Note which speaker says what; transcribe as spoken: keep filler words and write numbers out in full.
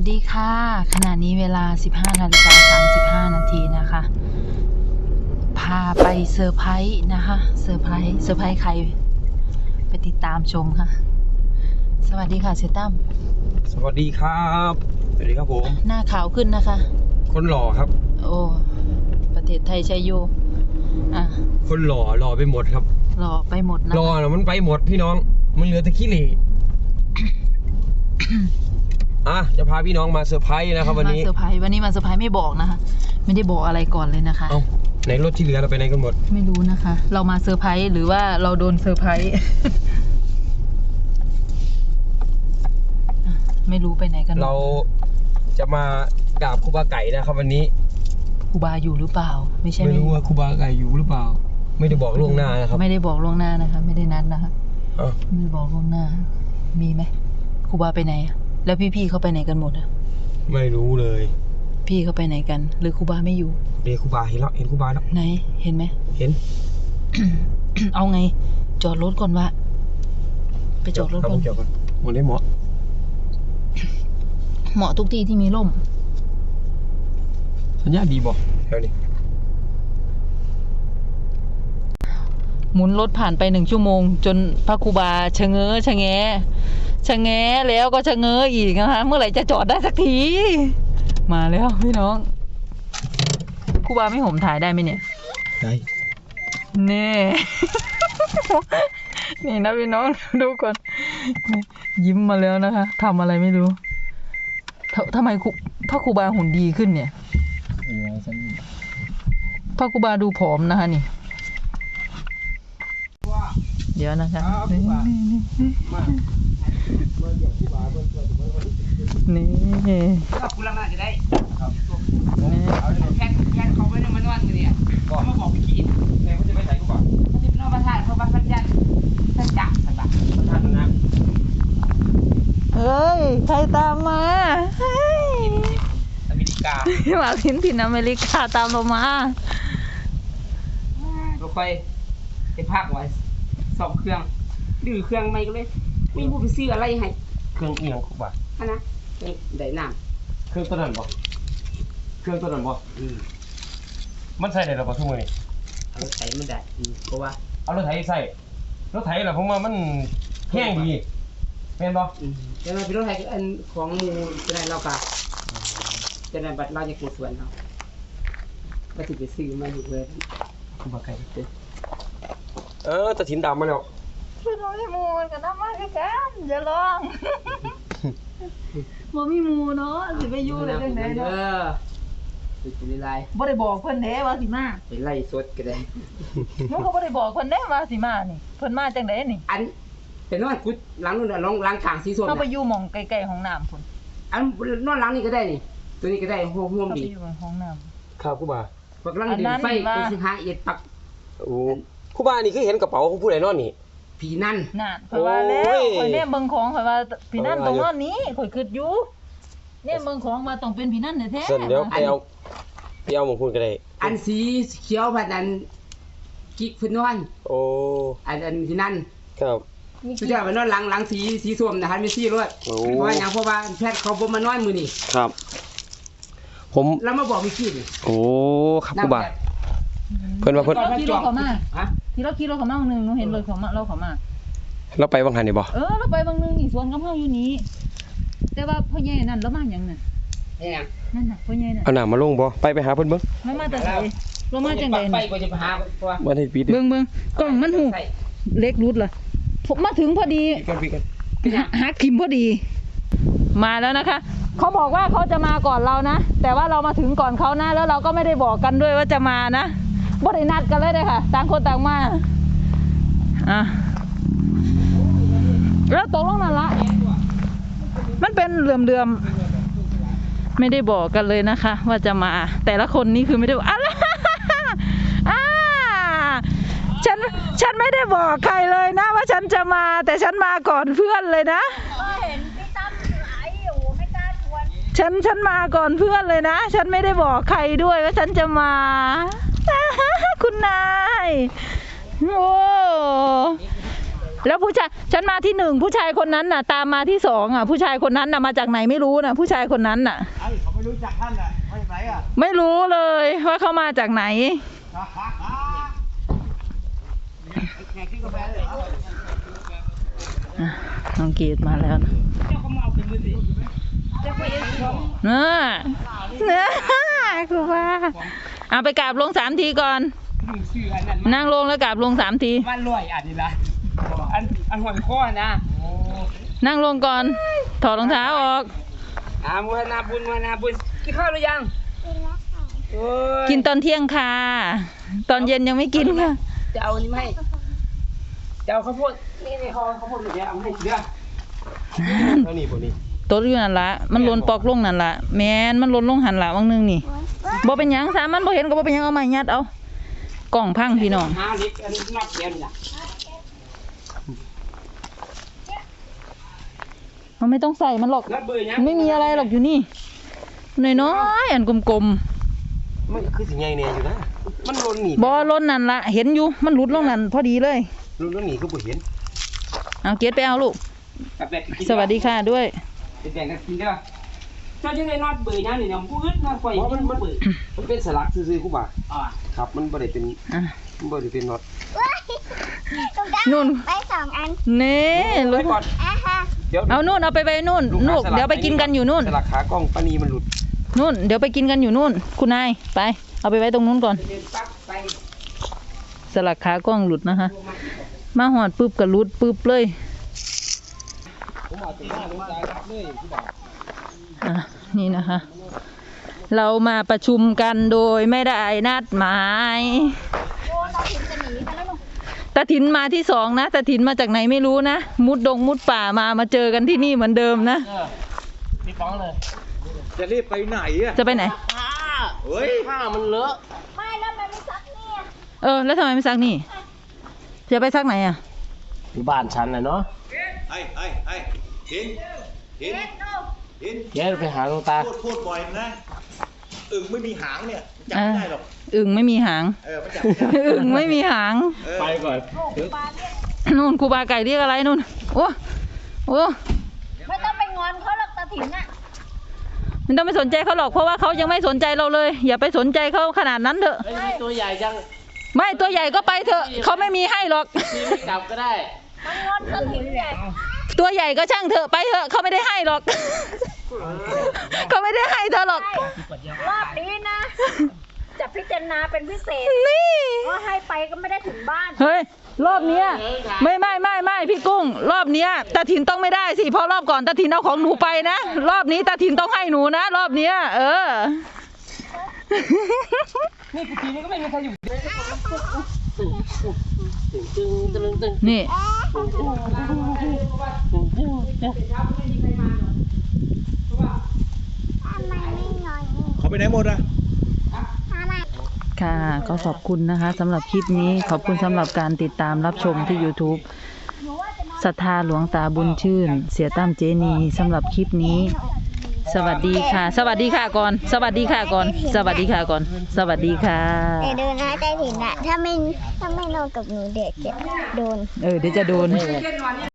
Speaker 1: สดีค่ะขณะนี้เวลา สิบห้านาฬิกาสามสิบห้านาทีนะคะ พาไปเซอร์ไพรส์นะคะเซอร์ไพรส์เซอร์ไพรส์ใครไปติดตามชมค่ะสวัสดีค่ะเชตั้ม
Speaker 2: สวัสดีครับสวัสดีครับผม
Speaker 1: หน้าขาวขึ้นนะคะ
Speaker 2: คนหล่อครับ
Speaker 1: โอ้ประเทศไทยชัยโยอ่ะ
Speaker 2: คนหล่อหล่อไปหมดครับ
Speaker 1: หล่อไปหมดนะ
Speaker 2: หล่อนะมันไปหมดพี่น้องมันเหลือแต่ขี้เหร่ อ่ะจะพาพี่น้องมาเซอร์ไพรส์นะครับวันนี้
Speaker 1: มาเซอร์ไพรส์วันนี้มาเซอร์ไพรส์ไม่บอกนะคะไม่ได้บอกอะไรก่อนเลยนะคะ
Speaker 2: เอ้าไหนรถที่เหลือเราไปไหนกันหมด
Speaker 1: ไม่รู้นะคะเรามาเซอร์ไพรส์หรือว่าเราโดนเซอร์ไพรส์ ไม่รู้ไปไหนกัน
Speaker 2: เราจะมากราบครูบาไก่นะครับวันนี้
Speaker 1: ครูบาอยู่หรือเปล่าไม่ใช่
Speaker 2: ไม่รู้ว่าครูบาไก่อยู่หรือเปล่าไม่ได้บอกล่วงหน้านะครับ
Speaker 1: ไม่ได้บอกล่วงหน้านะคะไม่ได้นัดนะคะ
Speaker 2: อ๋อ
Speaker 1: ไม่ได้บอกล่วงหน้ามีไหมครูบาไปไหนแล้วพี่ๆเขาไปไหนกันหมดอ่ะ
Speaker 2: ไม่รู้เลย
Speaker 1: พี่เขาไปไหนกันหรือครูบาไม่อยู่
Speaker 2: เดี๋ยวครูบาเห็นแล้วเห็นครูบาแล้ว
Speaker 1: ไหนเห็นไหม
Speaker 2: เห็น
Speaker 1: เอาไงจอดรถก่อนวะไปจอดรถก่อน
Speaker 2: จอดก่อนหมดได้เหมาะ
Speaker 1: เหมาะทุกที่ที่มีร่ม
Speaker 2: สัญญาดีบอกแถวนี้
Speaker 1: หมุนรถผ่านไปหนึ่งชั่วโมงจนพระครูบาชะเง้อชะแงชะแงแล้วก็ชะเง้ออีกนะคะเมื่อไหร่จะจอดได้สักทีมาแล้วพี่น้องครูบาไม่ห่มถ่ายได้ไหมเนี่ย
Speaker 2: ได้
Speaker 1: นี่ นี่นะพี่น้องดูก่อนยิ้มมาแล้วนะคะทำอะไรไม่รู้ทำไมพระครูบาหุ่นดีขึ้นเนี่ยพระครูบาดูผอมนะคะนี่เดี๋ยวนะคะนี่นี่
Speaker 3: คุณลังน่าจะได้แค่แค่เขาไม่ได้มานวดกันเนี่ยเขามาบอกพี่กิน
Speaker 2: แม่เขาจะไปใส่กูก่อน
Speaker 3: เขาจะนอนประทานเขาบัตรพันยันท่านจักรสักบาท
Speaker 2: ประทานนะ
Speaker 1: เฮ้ยใครตามมาเฮ้ย
Speaker 2: อเมริกา
Speaker 1: มาพินถิ่นอเมริกาตามเรามาร
Speaker 3: ถไฟไปพักไว้สองเครื่องดื้อเครื่องไม่ก็เลยไม่รู้ไปซื้ออะไรให้
Speaker 2: เครื่องเอียงกูบ่ะ
Speaker 3: ฮะนะได้น้
Speaker 2: ำเครื่องตัวนั้นบ่เครื่องตัวนั้นบ่อืมมันใส่ได้หรอบ่ทุกมื้อนี่
Speaker 3: รถไถมันได้เพราะว่า
Speaker 2: เอารถไถใส่รถไถล่ะผมว่ามันแห้งดีแม่นบ่
Speaker 3: อืมแต่มันเป็นรถไถอันของหมู่จะได้เราก็จะได้บัตรเราจะเกิดส่วนเฮาก็สิไปซื้อมาอยู่เลย
Speaker 2: กูบ่ไกลเด้อเออตะถินดำมาแล้ว
Speaker 1: พี่น้องที่มูมันกับน้ำมันคือกันอย่าลองบ่มีมูเนาะสิไปอยู่ได้จังได๋เนาะเออ
Speaker 3: สิไปไล่
Speaker 1: บ่ได้บอกเพิ่นเด้ว่าสิมา
Speaker 3: ไปไล่สดก็ได้
Speaker 1: หนูก็บ่ได้บอกเพิ่นเด้ว่าสิมานี่เพิ่นมาจังได๋นี่
Speaker 3: อันเป็นนอนกุดหลังนู่นน่ะลองล้างข้างสีส้ม
Speaker 1: เฮาไปอยู่หม่องใกล้ๆห้องน้ำพุ่น
Speaker 3: อันนอนหลังนี่ก็ได้นี่ตัวนี้ก็ได้ห่วงๆดี
Speaker 1: ไปอยู่ห้องน้ำ
Speaker 2: ครับครูบา
Speaker 3: พวกลังดึงไฟไปสิหาเอ็ดปัก
Speaker 2: โอ้ครูบานี่คือเห็นกระเป๋าของผู้ใดนอนนี่
Speaker 3: ผีนั่น
Speaker 1: น่ะข่อยว่าแล้วข่อยเนี่ยเบิ่งของข่อยว่าผีนั่นตรงนอนนี้ข่อยคิดอยู่เนี่ยเบิ่งของมาต้องเป็นผีนั่นแท้ๆ
Speaker 2: เส้นเดี๋ยวไปเอาไปเอาหม่องคุณก็ได้
Speaker 3: อันสีเขียวพัดนั้นกิ๊กเพิ่นนอน
Speaker 2: โอ้
Speaker 3: อันอันผีนั่น
Speaker 2: ครับ
Speaker 3: สุดยอดมันนอนหลังหลังสีสีส้มนะคะมีสีรวดเพราะว่าหยังเพราะว่าแพทย์เขาบ่มานอนมื้อนี้
Speaker 2: ครับผม
Speaker 3: แล้วมาบอกมีกี้นี่
Speaker 2: โอ้ครับครูบาเพิ่นว่าเพิ่น
Speaker 1: ขี่รถเข้ามาฮะที่เราขี่รถเข้ามาบางนึงหนูเห็นรถเข้ามาเราเข้ามา
Speaker 2: เราไปบางหันนี่บ่
Speaker 1: เออเราไปบางนึงนี่สวนกับเฮาอยู่นี่แต่ว่าพ่อใหญ่นั่นแล้วมาหยังน่ะ
Speaker 3: แหง
Speaker 1: นั่นน่ะพ่อใหญ่น่ะ
Speaker 2: เอาหน้ามาลงบ่ไปไปหาเพิ่นเบิ่ง
Speaker 1: มันมาแต่ไสเรามาจังได๋
Speaker 3: ไปก็จะไปหาตัว
Speaker 2: บ่ได้ปิด
Speaker 1: เบิ่งๆกล้องมันหูเล็กรุดล่ะผมมาถึงพอดีหักทิมพอดีมาแล้วนะคะเขาบอกว่าเขาจะมาก่อนเรานะแต่ว่าเรามาถึงก่อนเขานะแล้วเราก็ไม่ได้บอกกันด้วยว่าจะมานะบ่ได้นัดกันเลยเลยค่ะต่างคนต่างมาอ่ะแล้วตกลงนั่นละมันเป็นเหลื่อมๆไม่ได้บอกกันเลยนะคะว่าจะมาแต่ละคนนี่คือไม่ได้บอกอะไรอ่าฉันฉันไม่ได้บอกใครเลยนะว่าฉันจะมาแต่ฉันมาก่อนเพื่อนเลยนะเห็นพี่ตั้มไอ้โอ้ไม่กล้าชวนฉันฉันมาก่อนเพื่อนเลยนะฉันไม่ได้บอกใครด้วยว่าฉันจะมาคุณนายโอ้แล้วผู้ชายฉันมาที่หนึ่งผู้ชายคนนั้นน่ะ ตามมาที่สองอ่ะ ผู้ชายคนนั้นน่ะมาจากไหนไม่รู้น่ะ ผู้ชายคนนั้นน่ะ
Speaker 2: ไอ้เขาไม่รู้จักท่านอ่ะมาจากไหนอ่ะ
Speaker 1: ไม่รู้เลยว่าเขามาจากไหน
Speaker 2: แขกที่กาแฟเลยเหรอ
Speaker 1: อ่ะน้องเกดมาแล้วนะ
Speaker 3: เจ้าก็มาเอาเป็นมือสิเจ้าไปเองของ
Speaker 1: เนอะเนอะครูว่าเอาไปกราบลงสามทีก่อน
Speaker 3: มึงชื่ออันนั้น
Speaker 1: นั่งลงแล้วกราบลงสามที
Speaker 3: บ้านรวยอันนี้ละอันอันหัวข้อนะ
Speaker 1: นั่งลงก่อน ถอดรองเท้าออก
Speaker 3: อ่ามุนาบุญมุนาบุญกินข้าวหรือยังกินแล้วค่ะโอ้ย
Speaker 1: กินตอนเที่ยงค่ะ ตอนเย็นยังไม่กินค่ะ
Speaker 3: จะเอาอันนี้ไหมาให้จะเอาข้าวโพดนี่นี่เขาข้าวโพดเดี๋ยวเอามาให้เดี๋ยว
Speaker 2: เท่านี้พวกนี้
Speaker 1: ตัวอยู่นั่นละมันหล่นปอกลงนั่นละแมนมันหล่นลงหันละวังหนึงนี่บ่เป็นหยังสามันบ่เห็นก็บ่เป็นหยังเอาไม้ยัดเอากล่องพังพี่น้อง
Speaker 3: หาเล็กอันนี้นับเดียวนี่ล่ะ
Speaker 1: มันไม่ต้องใส่มันหรอก
Speaker 3: นับเบอร์ยัง
Speaker 1: มันไม่มีอะไรหรอกอยู่นี่น้อยๆอันกลม
Speaker 2: มันคือสิไงเนี่ยอยู่นะมันหล่นหนี
Speaker 1: ๆบ่หล่นนั่นละเห็นอยู่มันหลุดลงนั่นพอดีเลย
Speaker 2: หล่นหนีก็บ่เห็น
Speaker 1: เอาเกดไปเอาลูก
Speaker 3: กับแบบกิน
Speaker 1: สวัสดีค่ะด้วย
Speaker 3: แบ่งกันกินได้ป่ะเจ้าจะได้นอดเบอร์ยังนี่เนี่ยพูดนอดไฟ
Speaker 2: เพราะมันมัน
Speaker 3: เบอร์
Speaker 2: มันเป็นสลักซื่อๆกูบ่า
Speaker 3: อ่า
Speaker 2: ครับมันบ่ได้เป็น
Speaker 1: อ่ะ
Speaker 2: มันบ่ได้เป็นน็อต
Speaker 1: นู่น
Speaker 4: ไปสองอัน
Speaker 1: เน่ร
Speaker 3: ไป
Speaker 1: ถ
Speaker 3: ก่อน
Speaker 4: อ่ะฮะ
Speaker 2: เดี๋ยว
Speaker 1: เอานู่นเอาไปไปนู่นนู่นเดี๋ยวไปกินกันอยู่นู่น
Speaker 2: สลักขากล้องปานีมันหลุด
Speaker 1: นู่นเดี๋ยวไปกินกันอยู่นู่น คุณนายไป เอาไปไว้ตรงนู้นก่อน
Speaker 3: เดินปั๊บไป
Speaker 1: สลักขากล้องหลุดนะคะ มาหอดปุ๊บก็หลุดปุ๊บเลย
Speaker 2: ผมเอาตัวหน้าลงใจครับเลยกูบ่า
Speaker 1: อ่ะนี่นะคะ เรามาประชุมกันโดยไม่ได้นัดหมายตาถินมาที่สองนะตาถินมาจากไหนไม่รู้นะมุดดงมุดป่ามามาเจอกันที่นี่เหมือนเดิมนะ
Speaker 3: พี่ป้องเลย
Speaker 2: จะรีบไปไหนอ่ะ
Speaker 1: จะไปไหน
Speaker 2: เฮ้ยผ้ามันเลอะ
Speaker 4: ไม่แล้วมันไม่ซักเนี่ย
Speaker 1: เออ แล้วทำไมไม่ซักนี่จะไปซักไหนอ่ะ
Speaker 2: ที่บ้านฉันน่ะเนาะ
Speaker 5: ไอ้ไอ้ไอ้เห็นเห็นเห็น
Speaker 2: แกไปหาหลวงตา
Speaker 5: พูดพูดบ่อยนะอึ่งไม่มีหางเนี่ยจับไม่ได้หรอก
Speaker 1: อึ่งไม่มีหาง
Speaker 5: เออมันจับไม่ได้
Speaker 1: อึ่งไม่มีหาง
Speaker 5: เออ
Speaker 2: ไปก่อน
Speaker 1: นู่นครูบาไก่เรียกอะไรนู่น โอ้โอ้
Speaker 4: ไม่ต้องไปงอนเขาหรอกตาถิ่นอ่ะ
Speaker 1: ไม่ต้องไปสนใจเขาหรอกเพราะว่าเขายังไม่สนใจเราเลย อย่าไปสนใจเขาขนาดนั้นเถอะ
Speaker 3: ตัวใหญ่จัง
Speaker 1: ไม่ตัวใหญ่ก็ไปเถอะเขาไม่มีให้หรอก
Speaker 3: พี่ไม่กลับก็ได้
Speaker 4: มันงอนตาถิ่นใหญ่
Speaker 1: ตัวใหญ่ก็ช่างเถอะไปเถอะเขาไม่ได้ให้หรอก เขาไม่ได้ให้เธอหรอก
Speaker 4: รอบนี้นะ จะพิจารณาเป็นพิเศษ
Speaker 1: นี่
Speaker 4: เพราะให้ไปก็ไม่ได้ถึงบ้าน
Speaker 1: เฮ้ยรอบเนี้ยไม่ไม่ไม่ไม่พี่กุ้ง รอบเนี้ยตาถินต้องไม่ได้สิเพราะรอบก่อนตาถินเอาของหนูไปนะรอบนี้ตาถินต้องให้หนูนะรอบเนี้ยเออ
Speaker 3: นี่กูทีนี้ก็ไม่มีใครอยู่
Speaker 1: นี่
Speaker 4: ทำไมไม่งอน
Speaker 5: เขาไปไหนหมดอ่ะ
Speaker 4: ทำไม
Speaker 1: ค่ะก็ขอบคุณนะคะสำหรับคลิปนี้ขอบคุณสำหรับการติดตามรับชมที่ YouTube ศรัทธาหลวงตาบุญชื่น เสียตั้มเจนีสำหรับคลิปนี้ สวัสดีค่ะ สวัสดีค่ะก่อน สวัสดีค่ะก่อน สวัสดีค่ะก่อน สวัสดีค่ะ
Speaker 4: แต่ดูนะตาถิ่นอ่ะ ถ้าไม่ถ้าไม่นอนกับหนูเด็กจะโดน
Speaker 1: เออเดี๋ยวจะโดน